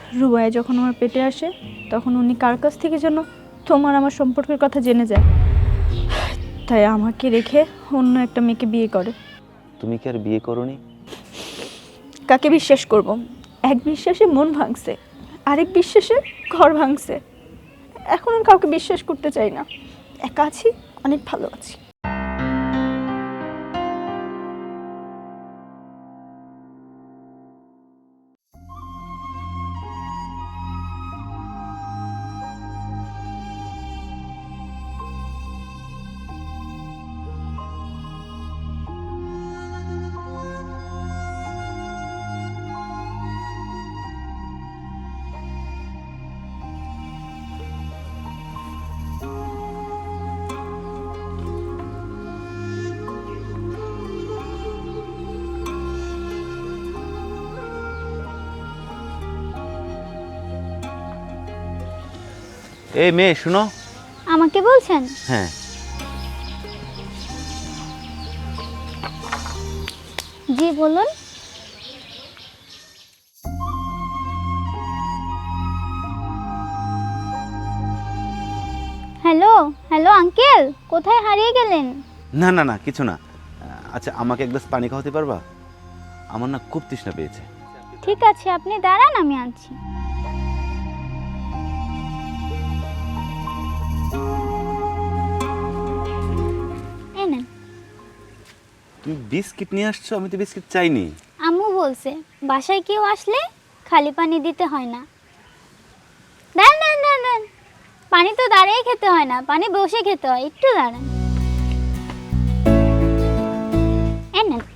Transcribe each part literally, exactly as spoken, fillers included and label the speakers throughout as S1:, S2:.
S1: রুবাইয়া যখন আমার পেটে আসে তখন উনি কার কাছ থেকে যেন তোমার আমার সম্পর্কের কথা জেনে যায়, তাই আমাকে রেখে অন্য একটা মেয়েকে বিয়ে করে।
S2: তুমি কি আর বিয়ে করোনি?
S1: কাকে বিশ্বাস করব? এক বিশ্বাসে মন ভাঙছে, আরেক বিশ্বাসে ঘর ভাঙছে। এখন আর কাউকে বিশ্বাস করতে চাই না। একা আছি, অনেক ভালো আছি।
S2: এই মেয়ে শুনো।
S3: আমাকে বলছেন?
S2: হ্যাঁ।
S3: জি বলুন। হ্যালো হ্যালো আঙ্কেল, কোথায় হারিয়ে গেলেন?
S2: না না না কিছু না। আচ্ছা আমাকে এক গ্লাস পানি খাওয়াতে পারবা? আমার না খুব তৃষ্ণা পেয়েছে।
S3: ঠিক আছে, আপনি দাঁড়ান, আমি আনছি। এই নেন।
S2: তুমি বিস্কিট নিয়ে আসছো? আমি তো বিস্কিট চাইনি।
S3: আম্মু বলছে বাসায় কেউ আসলে খালি পানি দিতে হয় না। দাঁড়ান দাঁড়ান দাঁড়ান দাঁড়ান। পানি তো দাঁড়িয়ে খেতে হয় না, পানি বসে খেতে হয়, একটু দাঁড়ান। এই নেন।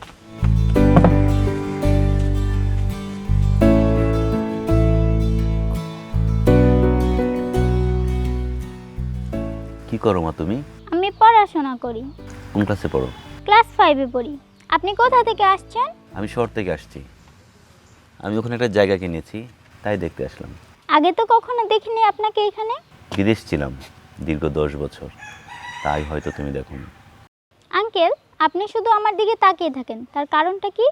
S2: কি করো মা তুমি?
S3: আমি পড়াশোনা করি।
S2: কোন ক্লাসে পড়ো?
S3: ক্লাস ফাইভে পড়ি। আপনি কোথা থেকে আসছেন?
S2: আমি শহর থেকে আসছি। আমি ওখানে একটা জায়গা কিনেছি, তাই দেখতে আসলাম।
S3: আগে তো কখনো দেখিনি আপনাকে এখানে।
S2: বিদেশ ছিলাম দীর্ঘ দশ বছর, তাই হয়তো তুমি দেখোনি।
S3: আঙ্কেল, আপনি শুধু আমার দিকে তাকিয়ে থাকেন, তার কারণটা কি?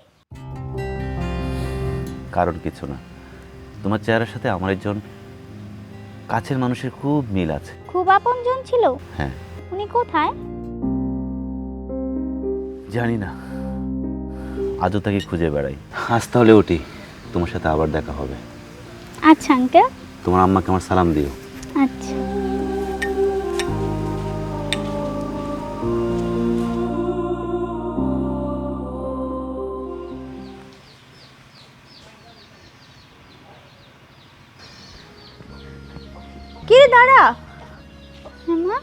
S2: কারণ কিছু না, তোমার চেহারার সাথে আমার একজন কাছের মানুষের খুব মিল আছে।
S3: খুব আপনজন ছিল?
S2: হ্যাঁ।
S3: উনি কোথায়?
S2: জানি না, আজও তাকে খুঁজে বেড়াই। আজ তাহলে উঠি, তোমার সাথে আবার দেখা হবে।
S3: আচ্ছা আঙ্কেল।
S2: তোমার আম্মাকে আমার সালাম দিও।
S3: আচ্ছা।
S1: কি রে দাঁড়া,
S3: হ্যাঁ মা?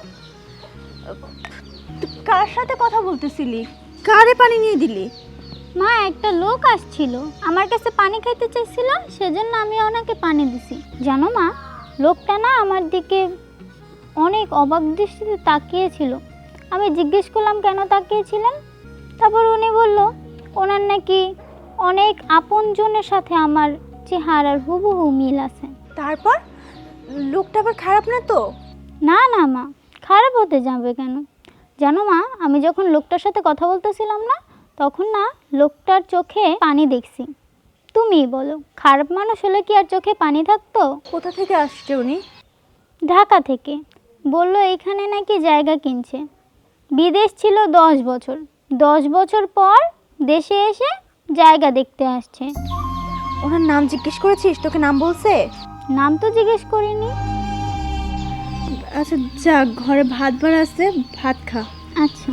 S1: তুই কার সাথে কথা বলতেছিলি? কারে পানি নিয়ে দিলি?
S3: মা, একটা লোক আসছিল, আমার কাছে পানি খাইতে চাইছিল, সেজন্য আমি ওনাকে পানি দিছি। জানো মা, লোকটা না আমার দিকে অনেক অবাক দৃষ্টিতে তাকিয়েছিল। আমি জিজ্ঞেস করলাম কেন তাকিয়েছিলেন। তারপর উনি বলল ওনার নাকি অনেক আপনজনের সাথে আমার চেহারার হুবহু মিল আছে।
S1: তারপর লোকটা আবার খারাপ না তো?
S3: না না মা, খারাপ হতে যাবে কেন? জানো মা, আমি যখন লোকটার সাথে কথা বলতেছিলাম না, তখন না লোকটার চোখে পানি দেখছি। তুমিই বলো, খারাপ মানুষ হলে কি আর চোখে পানি থাকতো?
S1: কোথা থেকে আসছে উনি?
S3: ঢাকা থেকে। বলল এখানে নাকি জায়গা কিনছে। বিদেশ ছিল দশ বছর, দশ বছর পর দেশে এসে জায়গা দেখতে আসছে।
S1: ওনার নাম জিজ্ঞেস করেছিস? তোকে নাম বলছে?
S3: নাম তো জিজ্ঞেস করিনি।
S1: আচ্ছা যা, ঘরে ভাত বার আছে, ভাত খা।
S3: আচ্ছা।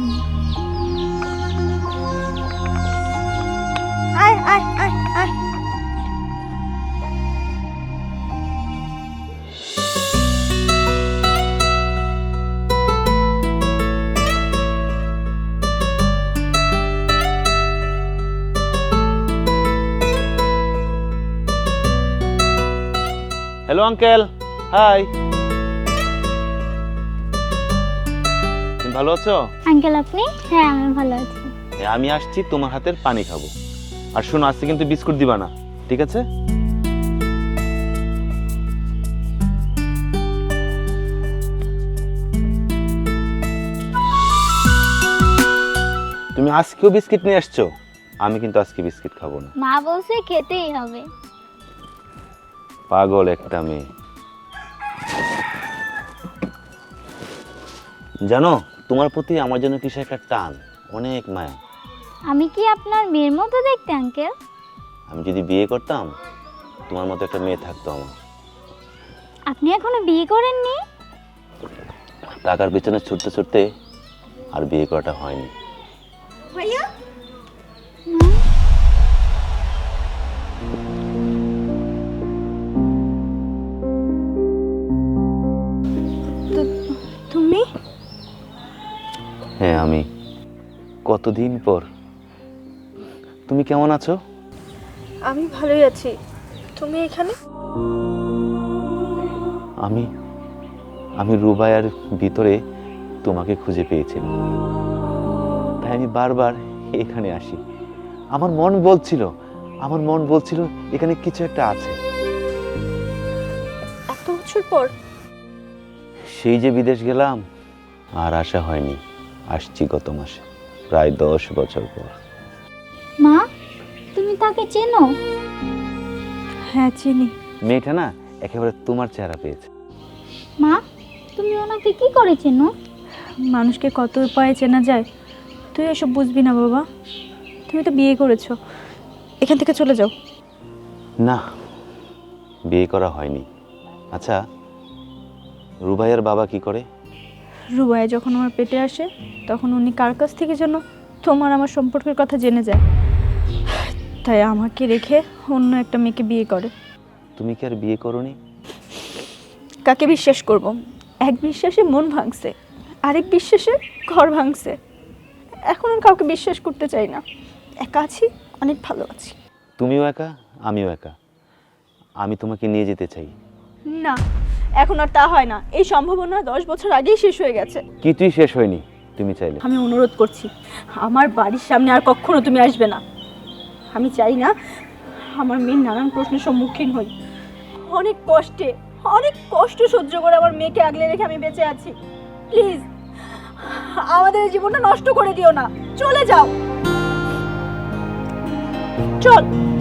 S1: আয় আয় আয় আয়।
S2: Hello uncle, hi. তুমি ভালো আছো?
S3: আঙ্কেল আপনি? হ্যাঁ আমি ভালো আছি।
S2: হ্যাঁ, আমি আসছি তোমার হাতের পানি খাবো। আর শোনো, আজকে কিন্তু বিস্কুট দিবা না, ঠিক আছে? তুমি আজকেও বিস্কিট নিয়ে আসছো? আমি কিন্তু আজকে বিস্কিট খাবো না।
S3: মা বলছে খেতেই হবে।
S2: পাগল একটা মেয়ে। জানো, তোমার প্রতি আমার জন্য কিসে একটা টান, অনেক মায়া।
S3: আমি কি আপনার মেয়ের মতো দেখতে আঙ্কেল?
S2: আমি যদি বিয়ে করতাম তোমার মতো একটা মেয়ে থাকতো আমার।
S3: আপনি এখনো বিয়ে করেননি?
S2: টাকার পেছনে ছুটতে ছুটতে আর বিয়ে করাটা হয়নি।
S1: ভাইয়া তু- তুমি
S2: হ্যাঁ আমি। কতদিন পর। তুমি কেমন আছো?
S1: আমি ভালোই আছি। তুমি এখানে?
S2: আমি আমি রুবাইয়ার ভিতরে তোমাকে খুঁজে পেয়েছিলাম, তাই আমি বারবার এখানে আসি। আমার মন বলছিল আমার মন বলছিল এখানে কিছু একটা আছে।
S1: এত বছর পর?
S2: সেই যে বিদেশ গেলাম আর আসা হয়নি। আসছি গত মাসে, প্রায় দশ বছর পর।
S3: মা, তুমি তাকে চেনো?
S1: হ্যাঁ চিনি।
S2: মেয়েটা না একেবারে তোমার চেহারা পেয়েছে।
S3: মা, তুমি ওনাকে কি করে চেনো?
S1: মানুষকে কত উপায়ে চেনা যায়, তুই এসব বুঝবি না বাবা। তুমি তো বিয়ে করেছো, এখান থেকে চলে যাও।
S2: না, বিয়ে করা হয়নি। আচ্ছা, রুবাইয়ার বাবা কি করে?
S1: রুবাইয়া যখন আমার পেটে আসে তখন উনি কার কাছ থেকে যেন তোমার আমার সম্পর্কের কথা জেনে যায়, তাই আমাকে রেখে অন্য একটা মেয়েকে বিয়ে করে।
S2: তুমি কি আর বিয়ে করোনি?
S1: কাকে বিশ্বাস করব? এক বিশ্বাসে মন ভাঙছে, আরেক বিশ্বাসে ঘর ভাঙছে। এখন আর কাউকে বিশ্বাস করতে চাই না। একা আছি, অনেক ভালো আছি।
S2: তুমিও একা, আমিও একা। আমি তোমাকে নিয়ে যেতে চাই।
S1: না, এখন আর তা হয় না। এই সম্ভাবনা দশ বছর আগেই শেষ হয়ে গেছে।
S2: কিছুই শেষ হয়নি তুমি চাইলে।
S1: আমি অনুরোধ করছি, আমার বাড়ির সামনে আর কখনো তুমি আসবে না। আমি চাই না আমার মেয়ের নানান প্রশ্নের সম্মুখীন হই। অনেক কষ্টে অনেক কষ্ট সহ্য করে আমার মেয়েকে আগলে রেখে আমি বেঁচে আছি। প্লিজ আমাদের এই জীবনটা নষ্ট করে দিও না, চলে যাও। চল।